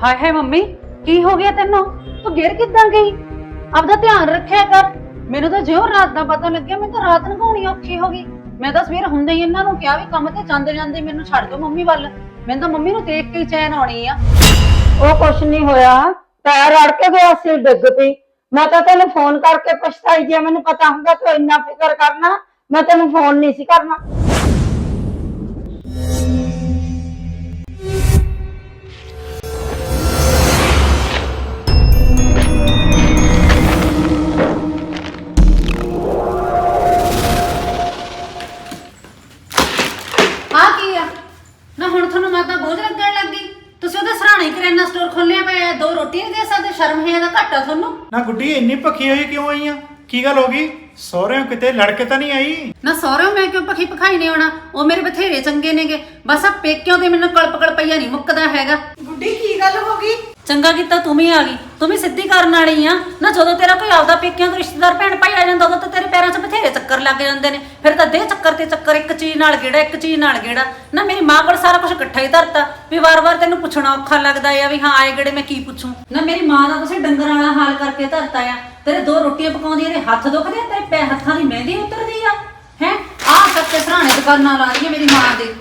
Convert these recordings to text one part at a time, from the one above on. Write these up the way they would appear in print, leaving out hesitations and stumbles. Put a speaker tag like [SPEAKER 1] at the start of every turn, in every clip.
[SPEAKER 1] ਹਾਏ ਹਾਏ ਮੰਮੀ, ਕੀ ਹੋ ਗਿਆ ਤੈਨੂੰ? ਤੂੰ ਗਿਰ ਕਿੱਦਾਂ ਗਈ? ਆਪਦਾ ਧਿਆਨ ਰੱਖਿਆ ਕਰ। ਮੈਨੂੰ ਤਾਂ ਜਿਉਂ ਰਾਤ ਦਾ ਪਤਾ ਲੱਗਿਆ, ਮੈਨੂੰ ਤਾਂ ਰਾਤ ਨਗਾਉਣੀ ਔਖੀ ਹੋ ਗਈ। ਮੈਂ ਤਾਂ ਸਵੇਰ ਹੁੰਦੇ ਹੀ ਇਹਨਾਂ ਨੂੰ ਕਿਹਾ ਵੀ ਕੰਮ ਤੇ ਜਾਂਦੇ ਜਾਂਦੇ ਮੈਨੂੰ ਛੱਡ ਦਿਓ ਮੰਮੀ ਵੱਲ। ਮੈਨੂੰ ਤਾਂ ਮੰਮੀ ਨੂੰ ਦੇਖ ਕੇ ਹੀ ਚੈਨ ਆਉਣੀ ਆ।
[SPEAKER 2] ਉਹ ਕੁਛ ਨਹੀਂ ਹੋਇਆ, ਪੈਰ ਅੜ ਕੇ ਗਿਆ ਸੀ, ਡਿੱਗ ਪਈ। ਮੈਂ ਤਾਂ ਤੈਨੂੰ ਫੋਨ ਕਰਕੇ ਪੁੱਛਤਾਈ, ਜੇ ਮੈਨੂੰ ਪਤਾ ਹੁੰਦਾ ਤੂੰ ਇੰਨਾ ਫਿਕਰ ਕਰਨਾ ਮੈਂ ਤੈਨੂੰ ਫੋਨ ਨਹੀਂ ਸੀ ਕਰਨਾ।
[SPEAKER 1] ਆ ਕੀ ਆ ਨਾ? ਹੁਣ ਤੁਹਾਨੂੰ ਮੈਂ ਤਾਂ ਬੋਝ ਲੱਗਣ ਲੱਗੀ। ਤੁਸੀਂ ਉਹਦੇ ਸਰਾਣੇ ਕਰਿਆਨਾ ਸਟੋਰ ਖੋਲਿਆ ਪਿਆ, 2 ਰੋਟੀਆਂ ਦੇ ਸਕਦੇ? ਸ਼ਰਮ ਹੈ ਇਹਦਾ ਘੱਟ ਆ ਤੁਹਾਨੂੰ?
[SPEAKER 3] ਨਾ ਗੁੱਡੀ ਇੰਨੀ ਭੱਖੀ ਹੋਈ ਕਿਉਂ ਆਈ ਆ? ਕੀ ਗੱਲ ਹੋ ਗਈ? ਸਹੁਰਿਆਂ ਕਿਤੇ ਲੜ ਕੇ ਤਾਂ ਨਹੀਂ ਆਈ?
[SPEAKER 1] ਨਾ ਸਹੁਰਿਓ ਮੈਂ ਕਿਉਂ ਭਖੀ ਭਖਾਈ ਨਹੀਂ ਆਉਣਾ? ਉਹ ਮੇਰੇ ਬਥੇਰੇ ਚੰਗੇ ਨੇਗੇ। ਬਸ ਆ ਪੇਕਿਆਂ ਤੇ ਮੈਨੂੰ ਕਲਪ ਕਲਪਈਆ ਨਹੀਂ ਮੁੱਕਦਾ ਹੈਗਾ।
[SPEAKER 4] ਗੁੱਡੀ ਕੀ ਗੱਲ ਹੋ ਗਈ?
[SPEAKER 1] ਚੰਗਾ ਕੀਤਾ ਤੂੰ ਵੀ ਆ ਗਈ। ਤੂੰ ਵੀ ਸਿੱਧੀ ਕਰਨ ਵਾਲੀ ਆ ਨਾ। ਜਦੋਂ ਤੇਰਾ ਕੋਈ ਆਪਦਾ ਪੇਕਿਆਂ ਤੋਂ ਰਿਸ਼ਤੇਦਾਰ ਭੈਣ ਭਾਈ ਆ ਜਾਂਦਾ, ਉਦੋਂ ਤਾਂ ਤੇਰੇ ਪੈਰਾਂ 'ਚ ਬਥੇਰੇ ਚੱਕਰ ਲੱਗ ਜਾਂਦੇ ਨੇ। ਫਿਰ ਤਾਂ ਦੇ ਚੱਕਰ ਤੇ ਚੱਕਰ, ਇੱਕ ਚੀਜ਼ ਨਾਲ ਗੇੜਾ, ਇੱਕ ਚੀਜ਼ ਨਾਲ ਗੇੜਾ। ਨਾ ਮੇਰੀ ਮਾਂ ਕੋਲ ਸਾਰਾ ਕੁਝ ਇਕੱਠਾ ਹੀ ਧਰਤਾ ਵੀ ਵਾਰ-ਵਾਰ ਤੈਨੂੰ ਪੁੱਛਣਾ ਔਖਾ ਲੱਗਦਾ ਆ ਵੀ ਹਾਂ ਆਏ ਗੇੜੇ ਮੈਂ ਕੀ ਪੁੱਛੂੰ। ਨਾ ਮੇਰੀ ਮਾਂ ਦਾ ਤੁਸੀਂ ਡੰਗਰਾਂ ਵਾਲਾ ਹਾਲ ਕਰਕੇ ਧਰਤਾ ਆ। ਤੇਰੇ 2 ਰੋਟੀਆਂ ਪਕਾਉਂਦੀ, ਇਹਦੇ ਹੱਥ ਦੁਖਦੇ ਆ, ਤੇਰੇ ਪੈ ਹੱਥਾਂ ਦੀ ਮਹਿੰਦੀ ਉਤਰਦੀ ਆ ਹੈ। ਆਹ ਸੱਤੇ ਸਰਾਣੇ ਦੁਕਾਨਾਂ ਲਾ ਰਹੀ ਹੈ ਮੇਰੀ ਮਾਂ ਦੇ।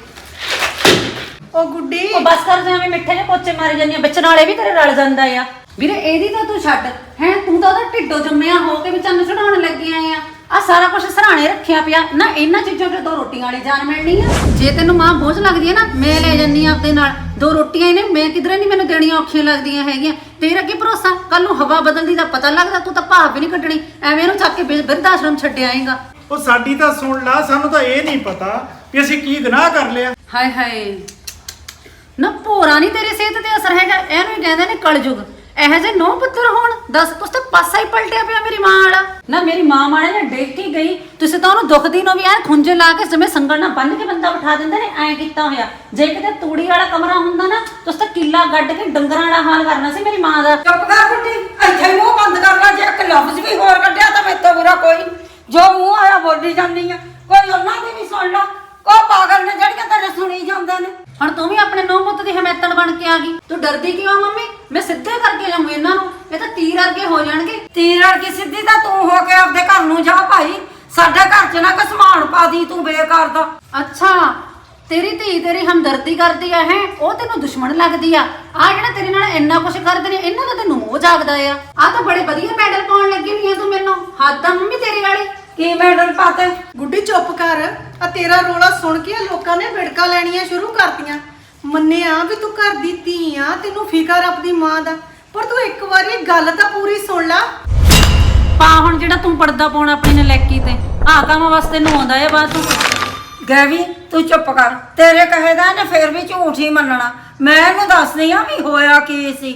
[SPEAKER 4] ਉਹ ਗੁੱਡੀ
[SPEAKER 1] ਉਹ ਬਸ ਕਰ ਜਾ, ਐਵੇਂ ਮਿੱਠੇ ਜਿਹੇ ਪੋਚੇ ਮਾਰੀ ਜਾਂਦੀਆਂ, ਵਿੱਚ ਨਾਲੇ ਵੀ ਤੇਰੇ ਰਲ ਜਾਂਦਾ ਆ। ਵੀਰੇ ਇਹਦੀ ਤਾਂ ਤੂੰ ਛੱਡ ਹੈ, ਤੂੰ ਤਾਂ ਉਹਦਾ ਢਿੱਡੋਂ ਜੰਮਿਆ ਹੋ ਕੇ ਵੀ ਚੰਨ ਚੜਾਉਣ ਲੱਗੀ ਆਏ ਆ ਸਾਰਾ ਕੁਝ ਸਰਾਣੇ ਰੱਖਿਆ ਪਿਆ ਨਾ। ਇਹਨਾਂ ਚੀਜ਼ਾਂ ਤੇ 2 ਰੋਟੀਆਂ ਵਾਲੀ ਜਾਨ ਮਿਲਣੀ ਆ। ਜੇ ਤੈਨੂੰ ਮਾਂ ਬੋਝ ਲੱਗਦੀ ਹੈ ਨਾ, ਮੈਂ ਲੈ ਜੰਨੀ ਆ ਆਪਦੇ ਨਾਲ। 2 ਰੋਟੀਆਂ ਇਹਨੇ ਮੈਂ ਕਿਧਰੇ ਨਹੀਂ ਮੈਨੂੰ ਦੇਣੀਆਂ ਔਖੀਆਂ ਲੱਗਦੀਆਂ ਹੈਗੀਆਂ। ਤੇਰਾ ਕੀ ਭਰੋਸਾ ਕੱਲ ਨੂੰ ਹਵਾ ਬਦਲਦੀ ਦਾ ਪਤਾ ਲੱਗਦਾ, ਤੂੰ ਤਾਂ ਭਾਵ ਵੀ ਨਹੀਂ ਕੱਢਣੀ। ਐਵੇਂ ਇਹਨੂੰ ਚੱਕ ਕੇ ਬਿਰਧ ਆਸ਼ਰਮ ਛੱਡ ਆਏਗਾ।
[SPEAKER 3] ਉਹ ਸਾਡੀ ਤਾਂ ਸੁਣ ਲਾ, ਸਾਨੂੰ ਤਾਂ ਇਹ ਨਹੀਂ ਪਤਾ ਵੀ ਅਸੀਂ ਕੀ ਗੁਨਾਹ ਕਰ ਲਿਆ।
[SPEAKER 1] ਹਾਏ ਹਾਏ ਨਾ, ਭੋਰਾ ਨਹੀਂ ਤੇਰੀ ਸਿਹਤ ਤੇ ਅਸਰ ਹੈਗਾ। ਇਹਨੂੰ ਹੀ ਕਹਿੰਦੇ ਨੇ ਕਲਯੁਗ। ਇਹੋ ਜਿਹੇ 9 ਪੁੱਤਰ ਹੋਣ, ਦੱਸ ਤੁਸੀਂ ਤਾਂ ਪਾਸਾ ਹੀ ਪਲਟਿਆ ਪਿਆ ਮੇਰੀ ਮਾਂ ਵਾਲਾ। ਨਾ ਮੇਰੀ ਮਾਂ ਮਾਣੇ ਨੇ ਡੇਕ ਕੇ ਗਈ, ਤੁਸੀਂ ਤਾਂ ਉਹਨੂੰ ਦੁਖਦੀ ਨੂੰ ਵੀ ਐ ਖੁੰਝੇ ਲਾ ਕੇ ਜਿਵੇਂ ਸੰਗਲ ਨਾਲ ਬੰਨ ਕੇ ਬੰਦਾ ਬਿਠਾ ਦਿੰਦੇ ਨੇ, ਐਂ ਕੀਤਾ ਹੋਇਆ। ਜੇ ਕਿਤੇ ਤੂੜੀ ਵਾਲਾ ਕਮਰਾ ਹੁੰਦਾ ਨਾ, ਤੁਸੀਂ ਤਾਂ ਕਿੱਲਾ ਗੱਡ ਕੇ ਡੰਗਰਾਂ ਵਾਲਾ ਹਾਲ ਕਰਨਾ ਸੀ ਮੇਰੀ ਮਾਂ ਦਾ।
[SPEAKER 4] ਚੁੱਪ ਕਰ ਗੁੱਡੀ, ਇੱਥੇ ਮੂੰਹ ਬੰਦ ਕਰ ਲੈ। ਜੇ ਇੱਕ ਲਫ਼ਜ਼ ਵੀ ਹੋਰ ਕੱਢਿਆ ਤਾਂ ਮੇਰੇ ਤੋਂ ਬੁਰਾ ਕੋਈ ਨਹੀਂ। ਜੋ ਮੂੰਹ ਆਇਆ ਬੋਲੀ ਜਾਂਦੀ ਆ, ਕੋਈ ਉਹਨਾਂ ਦੀ ਵੀ ਸੁਣ ਲਾ। ਕੋ ਪਾਗਲ ਨੇ ਜਿਹੜੀਆਂ ਤੇਰੇ ਸੁਣੀ ਜਾਂਦੇ ਨੇ।
[SPEAKER 1] ਹੁਣ ਤੂੰ ਵੀ ਆਪਣੇ 9 ਪੁੱਤ ਦੀ ਹਮੈਤਣ ਬਣ ਕੇ ਆ ਗਈ। ਤੂੰ ਡਰਦੀ ਕਿਉਂ ਮੰਮੀ? ਮੈਂ ਸਿੱਧੇ ਕਰਕੇ ਜਾਊਂ ਇਹਨਾਂ ਨੂੰ, ਇਹ ਤਾਂ ਤੀਰ ਵਰਗੇ ਹੋ ਜਾਣਗੇ।
[SPEAKER 4] ਤੀਰ ਅੜਕੀ ਸਿੱਧੀ ਤਾਂ ਤੂੰ ਹੋ ਕੇ ਆਪਦੇ ਘਰ ਨੂੰ ਜਾ ਭਾਈ। ਸਾਡੇ ਘਰ 'ਚ ਨਾ ਕਸਮਾਨ ਪਾ ਦੀ ਤੂੰ ਬੇਕਾਰ ਦਾ।
[SPEAKER 1] ਅੱਛਾ, ਤੇਰੀ ਧੀ ਤੇਰੀ ਹਮਦਰਦੀ ਕਰਦੀ ਆ ਹੈ, ਉਹ ਤੈਨੂੰ ਦੁਸ਼ਮਣ ਲੱਗਦੀ ਆ। ਆ ਜਿਹੜਾ ਤੇਰੇ ਨਾਲ ਇੰਨਾ ਕੁਛ ਕਰਦੇ ਨੇ, ਇਹਨਾਂ ਦਾ ਤੈਨੂੰ ਮੋਹ ਜਾਗਦਾ ਆ ਤਾਂ ਬੜੇ ਵਧੀਆ ਮੈਡਲ ਪਾਉਣ ਲੱਗੀ ਹੋਈ ਆ ਤੂੰ ਮੈਨੂੰ। ਹੱਦ ਆ ਮੰਮੀ ਤੇਰੀ ਵਾਲੀ।
[SPEAKER 4] ਕੀ ਮੈਡਲ ਪਾਤੇ?
[SPEAKER 5] ਗੁੱਡੀ ਚੁੱਪ ਕਰ। ਆ ਤੇਰਾ ਰੋਲਾ ਸੁਣ ਕੇ ਲੋਕਾਂ ਨੇ ਵਿੜਕਾ ਲੈਣੀਆਂ ਸ਼ੁਰੂ ਕਰਤੀਆਂ। ਮੰਨਿਆ ਵੀ ਤੂੰ ਘਰ ਦੀ ਧੀ ਆ, ਤੈਨੂੰ ਫਿਕਰ ਆਪਣੀ ਮਾਂ ਦਾ, ਪਰ ਤੂੰ ਇੱਕ ਵਾਰੀ ਗੱਲ ਤਾਂ ਪੂਰੀ ਸੁਣ ਲੈ।
[SPEAKER 1] ਪਾ ਹੁਣ ਜਿਹੜਾ ਤੂੰ ਪਰਦਾ ਪਾਉਣਾ ਆਪਣੀ ਨਲੈਕੀ ਤੇ, ਆਹ ਕੰਮ ਵਾਸਤੇ ਨੂੰ ਆਉਂਦਾ ਏ ਬਾਅਦ ਤੂੰ।
[SPEAKER 4] ਗੈਵੀ ਤੂੰ ਚੁੱਪ ਕਰ। ਤੇਰੇ ਕਹੇ ਦਾ ਇਹਨੇ ਫੇਰ ਵੀ ਝੂਠ ਹੀ ਮੰਨਣਾ। ਮੈਂ ਇਹਨੂੰ ਦੱਸਦੀ ਆ ਵੀ ਹੋਇਆ ਕੀ ਸੀ।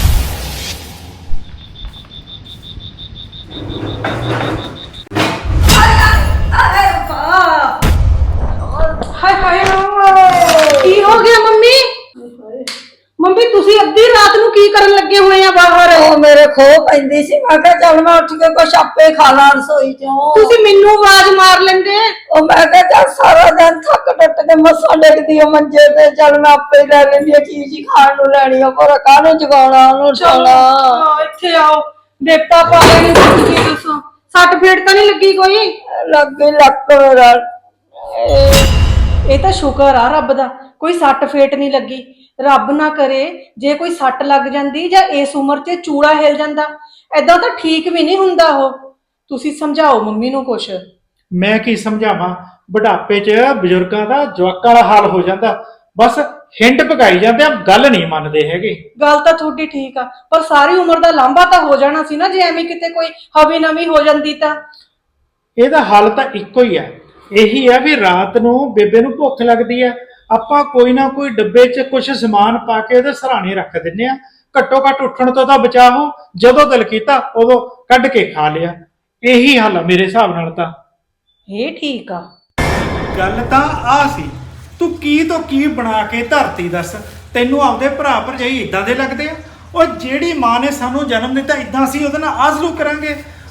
[SPEAKER 5] ਹਾਏ ਹਾਏ ਕੀ ਹੋ ਗਿਆ ਮੰਮੀ? ਮੰਮੀ ਤੁਸੀਂ ਅੱਧੀ ਰਾਤ ਨੂੰ ਕੀ ਕਰਨ ਲੱਗੇ ਹੋਏ ਆ ਬਾਹਰ?
[SPEAKER 4] ਉਹ ਮੇਰੇ ਖੋਹ ਪੈਂਦੀ ਸੀ, ਮੈਂ ਕਿਹਾ ਚੱਲ ਮੈਂ ਉੱਠ ਕੇ ਕੁਛ ਆਪੇ ਖਾ ਲਾਂ ਰਸੋਈ ਚੋਂ।
[SPEAKER 5] ਤੁਸੀਂ ਮੈਨੂੰ ਆਵਾਜ਼ ਮਾਰ ਲੈਂਦੇ।
[SPEAKER 4] ਉਹ ਮੈਂ ਕਿਹਾ ਚੱਲ ਸਾਰਾ ਦਿਨ ਥੱਕ ਟੁੱਟ ਕੇ ਮੱਸਾ ਡਿੱਗਦੀ ਆ ਮੰਜੇ ਤੇ, ਚੱਲ ਮੈਂ ਆਪੇ ਲੈ ਲੈਂਦੀ ਆ ਚੀਜ਼ ਹੀ ਖਾਣ ਨੂੰ ਲੈਣੀ ਆ, ਪਰ ਕਾਹਨੂੰ ਜਗਾਉਣਾ ਉਹਨੂੰ
[SPEAKER 5] ਚਲੋ ਇੱਥੇ ਆਓ, ਦੇਵਤਾ ਪਾ ਲੈਣੀ। ਤੁਸੀਂ ਦੱਸੋ ਸੱਟ ਫੇਟ ਤਾਂ ਨਹੀਂ ਲੱਗੀ ਕੋਈ?
[SPEAKER 4] ਲੱਗੀ ਲੱਕ ਮੇਰਾ।
[SPEAKER 5] ਇਹ ਤਾਂ ਸ਼ੁਕਰ ਆ ਰੱਬ ਦਾ, ਕੋਈ ਸੱਟ ਫੇਟ ਨਹੀਂ ਲੱਗੀ। ਰੱਬ ਨਾ ਕਰੇ ਜੇ ਕੋਈ ਸੱਟ ਲੱਗ ਜਾਂਦੀ ਜਾਂ ਇਸ ਉਮਰ 'ਚ ਚੂੜਾ ਹਿਲ ਜਾਂਦਾ, ਐਦਾਂ ਤਾਂ ਠੀਕ ਵੀ ਨਹੀਂ ਹੁੰਦਾ। ਉਹ ਤੁਸੀਂ ਸਮਝਾਓ ਮੰਮੀ ਨੂੰ ਕੁਛ।
[SPEAKER 3] ਮੈਂ ਕੀ ਸਮਝਾਵਾਂ? ਬੁਢਾਪੇ 'ਚ ਬਜ਼ੁਰਗਾਂ ਦਾ ਜਵਾਕਾਂ ਵਾਲਾ ਹਾਲ ਹੋ ਜਾਂਦਾ। ਬਸ ਹਿੰਡ ਪਕਾਈ ਜਾਂਦੇ ਆ, ਗੱਲ ਨਹੀਂ ਮੰਨਦੇ ਹੈਗੇ।
[SPEAKER 5] ਗੱਲ ਤਾਂ ਤੁਹਾਡੀ ਠੀਕ ਆ, ਪਰ ਸਾਰੀ ਉਮਰ ਦਾ ਲਾਂਭਾ ਤਾਂ ਹੋ ਜਾਣਾ ਸੀ ਨਾ ਜੇ ਐਵੇਂ ਕਿਤੇ ਕੋਈ ਹਵੀ ਨਵੀਂ ਹੋ ਜਾਂਦੀ ਤਾਂ।
[SPEAKER 3] ਇਹਦਾ ਹੱਲ ਤਾਂ ਇੱਕੋ ਹੀ ਆ, ਇਹੀ ਆ ਵੀ ਰਾਤ ਨੂੰ ਬੇਬੇ ਨੂੰ ਭੁੱਖ ਲੱਗਦੀ ਆ, ਆਪਾਂ ਕੋਈ ਨਾ ਕੋਈ ਡੱਬੇ 'ਚ ਕੁਝ ਸਮਾਨ ਪਾ ਕੇ ਉਹਦੇ ਸਰਾਣੇ ਰੱਖ ਦਿੰਨੇ ਆ। ਘੱਟੋ ਘੱਟ ਉੱਠਣ ਤੋਂ ਤਾਂ ਬਚਾ ਹੋ, ਜਦੋਂ ਦਿਲ ਕੀਤਾ ਉਦੋਂ ਕੱਢ ਕੇ ਖਾ ਲਿਆ। ਇਹੀ ਹੱਲ ਆ ਮੇਰੇ ਹਿਸਾਬ ਨਾਲ ਤਾਂ।
[SPEAKER 5] ਇਹ ਠੀਕ ਆ।
[SPEAKER 3] ਗੱਲ ਤਾਂ ਆ ਸੀ, ਤੂੰ ਕੀ ਤੋਂ ਕੀ ਬਣਾ ਕੇ ਧਰਤੀ ਦੱਸ। ਤੈਨੂੰ ਆਪਦੇ ਭਰਾ ਭਰਜਾਈ ਇਦਾਂ ਦੇ ਲੱਗਦੇ ਆ? ਉਹ ਜਿਹੜੀ ਮਾਂ ਨੇ ਸਾਨੂੰ ਜਨਮ ਦਿੱਤਾ, ਇਦਾਂ ਅਸੀਂ ਉਹਦੇ ਨਾਲ ਆਜ਼ਲੂ ਕਰਾਂਗੇ?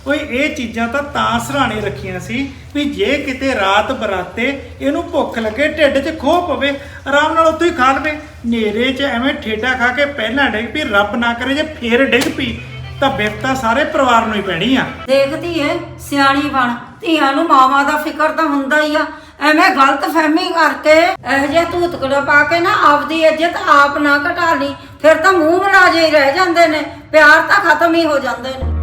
[SPEAKER 3] ਓਏ ਇਹ ਚੀਜ਼ਾਂ ਤਾਂ ਸਰਾਣੇ ਰੱਖੀਆਂ ਸੀ ਵੀ ਜੇ ਕਿਤੇ ਰਾਤ ਬਰਾਤੇ ਇਹਨੂੰ ਭੁੱਖ ਲੱਗੇ, ਢਿੱਡ 'ਚ ਖੋਹ ਪਵੇ, ਆਰਾਮ ਨਾਲ ਉੱਥੇ ਹੀ ਖਾ ਲਵੇ। ਨੇਰੇ 'ਚ ਐਵੇਂ ਠੇਡਾ ਖਾ ਕੇ ਪਹਿਲਾਂ ਡਿੱਗ ਪਈ, ਰੱਬ ਨਾ ਕਰੇ ਜੇ ਫੇਰ ਡਿੱਗ ਪਈ ਤਾਂ ਬਿਪਤਾ ਸਾਰੇ ਪਰਿਵਾਰ ਨੂੰ ਹੀ ਪੈਣੀ ਆ।
[SPEAKER 4] ਦੇਖਦੀ ਏ ਸਿਆਣੀ ਬਣ, ਧੀਆਂ ਨੂੰ ਮਾਵਾਂ ਦਾ ਫਿਕਰ ਤਾਂ ਹੁੰਦਾ ਹੀ ਆ। ਐਵੇਂ ਗਲਤ ਫਹਿਮੀ ਕਰਕੇ ਇਹੋ ਜਿਹਾ ਧੂਤਕੜਾ ਪਾ ਕੇ ਨਾ ਆਪਦੀ ਇੱਜ਼ਤ ਆਪ ਨਾ ਘਟਾ ਲਈ, ਫਿਰ ਤਾਂ ਮੂੰਹ ਮਲਾਜੇ ਹੀ ਰਹਿ ਜਾਂਦੇ ਨੇ, ਪਿਆਰ ਤਾਂ ਖਤਮ ਹੀ ਹੋ ਜਾਂਦੇ ਨੇ।